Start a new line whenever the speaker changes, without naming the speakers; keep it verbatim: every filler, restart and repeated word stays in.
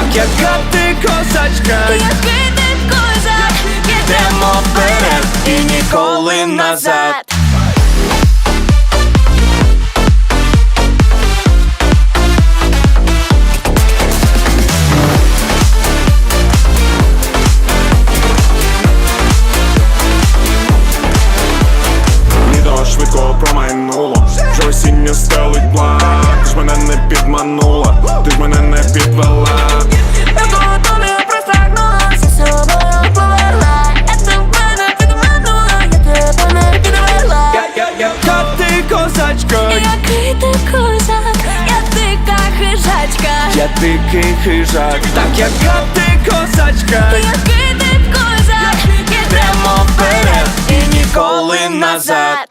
яка ти козачка,
який ти козак,
йдемо вперед і ніколи назад.
Літо швидко промайнуло, вже осінню стелить блак. Ти ж мене не підманула, ти ж мене не підвела.
Я того тобі простагнула, за собою повела. Я тебе не підманула, я тебе не підвела.
Яка ти козачка,
Який ти козак, я дика хижачка.
я дикий хижак, так яка ти козачка,
Який ти козак,
йдемо вперед і ніколи назад.